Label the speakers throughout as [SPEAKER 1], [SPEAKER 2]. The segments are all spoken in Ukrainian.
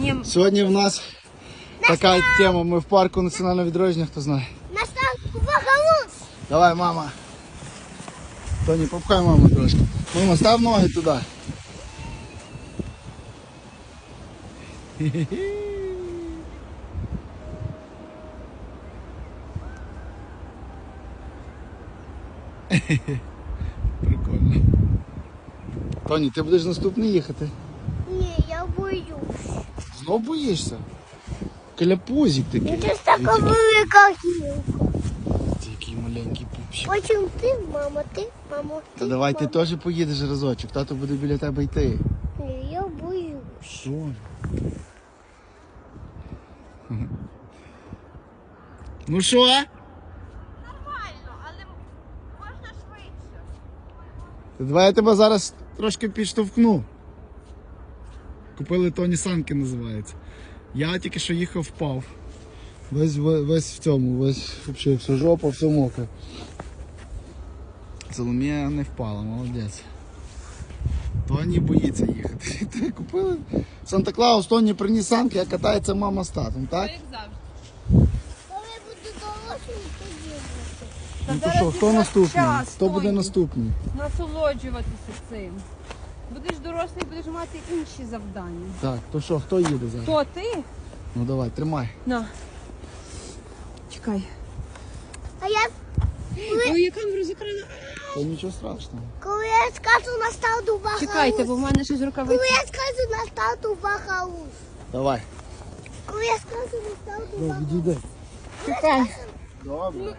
[SPEAKER 1] Сьогодні в нас така тема. Ми в парку національного відродження, хто знає. Давай, мама. Тоні, попхай маму трошки. Мама, став ноги туди. Прикольно. Тоні, ти будеш наступний їхати?
[SPEAKER 2] Ні, я боюсь.
[SPEAKER 1] Знов боїшся? Кляпузик такий.
[SPEAKER 2] Це ж така велика гілка.
[SPEAKER 1] Це який маленький пупчик.
[SPEAKER 2] Потім ти, мама, ти.
[SPEAKER 1] Та давай ти теж поїдеш разочок, тато буде біля тебе йти.
[SPEAKER 2] Ні, я боюсь.
[SPEAKER 1] Що? Ну що?
[SPEAKER 3] Нормально, але можна швидше.
[SPEAKER 1] Давай я тебе зараз трошки підштовхну. Купили Тоні санки, називається. Я тільки що їхав, впав. Весь в цьому, взагалі, вся жопа, все мокре. Соломія не впала, молодець. Тоні боїться їхати. Купили Санта-Клаус, Тоні приніс санки, а катається мама з татом, так?
[SPEAKER 3] Як завжди.
[SPEAKER 2] Коли буду дорослим, тоді буде.
[SPEAKER 1] Ну то що, хто наступний?
[SPEAKER 3] час,
[SPEAKER 1] Хто буде
[SPEAKER 3] Тоні.
[SPEAKER 1] наступний?
[SPEAKER 3] Насолоджуватися цим. Будеш дорослий, будеш мати інші завдання.
[SPEAKER 1] Так, то що, хто їде зараз?
[SPEAKER 3] То ти?
[SPEAKER 1] Ну давай, тримай.
[SPEAKER 3] На. Чекай.
[SPEAKER 2] А я,
[SPEAKER 3] Ой, я камеру закрила.
[SPEAKER 1] Та нічого страшного.
[SPEAKER 2] коли я скажу на старту бахалус.
[SPEAKER 3] Чекайте, бо в мене щось
[SPEAKER 2] Коли
[SPEAKER 3] рукавиці.
[SPEAKER 2] я скажу на старту бахалус.
[SPEAKER 1] Давай.
[SPEAKER 2] Коли я скажу на старту
[SPEAKER 1] Ну,
[SPEAKER 2] бахалус.
[SPEAKER 1] відійди.
[SPEAKER 3] Чекай.
[SPEAKER 1] Добре.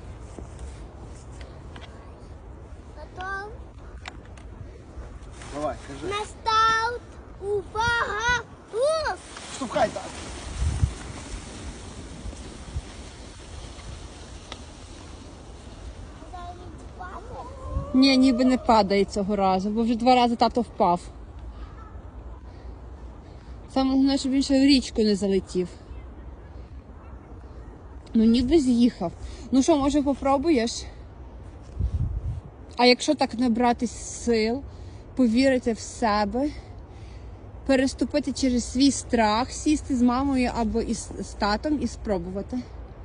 [SPEAKER 2] Потім
[SPEAKER 1] Давай, кажи.
[SPEAKER 2] на старт увага.
[SPEAKER 1] Штовхай так.
[SPEAKER 3] Ні, ніби не падає цього разу, бо вже 2 рази тато впав. Саме головне, щоб він ще в річку не залетів. Ну ніби з'їхав. Ну що, може попробуєш? А якщо так набратись сил, повірити в себе, переступити через свій страх, сісти з мамою або із татом і спробувати?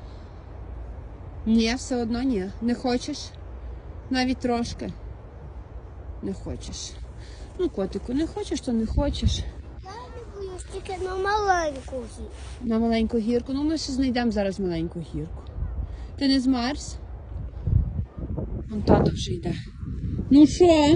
[SPEAKER 3] Ні, все одно ні. Не хочеш? Навіть трошки. Не хочеш. Ну, котику, не хочеш, то не хочеш.
[SPEAKER 2] Я не боюсь тільки на маленьку гірку.
[SPEAKER 3] На маленьку гірку. Ну, ми ще знайдемо зараз маленьку гірку. Ти не змерз? Вон тато вже йде. Ну що?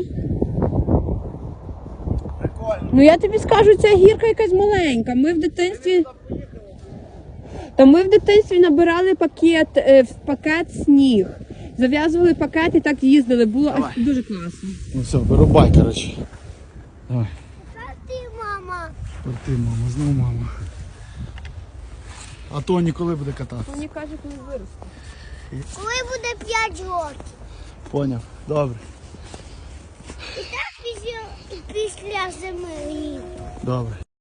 [SPEAKER 1] Прикольно.
[SPEAKER 3] Ну я тобі скажу, ця гірка якась маленька. Ми в дитинстві... Та ми в дитинстві набирали пакет сніг. Зав'язували пакет і так їздили. Було
[SPEAKER 1] Давай.
[SPEAKER 3] дуже класно.
[SPEAKER 1] Ну все, вирубай, коротше. Давай.
[SPEAKER 2] Та ти, мама.
[SPEAKER 1] Ти, мама, знову мама. А Тоні коли буде кататися?
[SPEAKER 3] Мені каже, коли виросте.
[SPEAKER 2] Коли буде 5 років.
[SPEAKER 1] Поняв. Добре.
[SPEAKER 2] І так після зими.
[SPEAKER 1] Добре.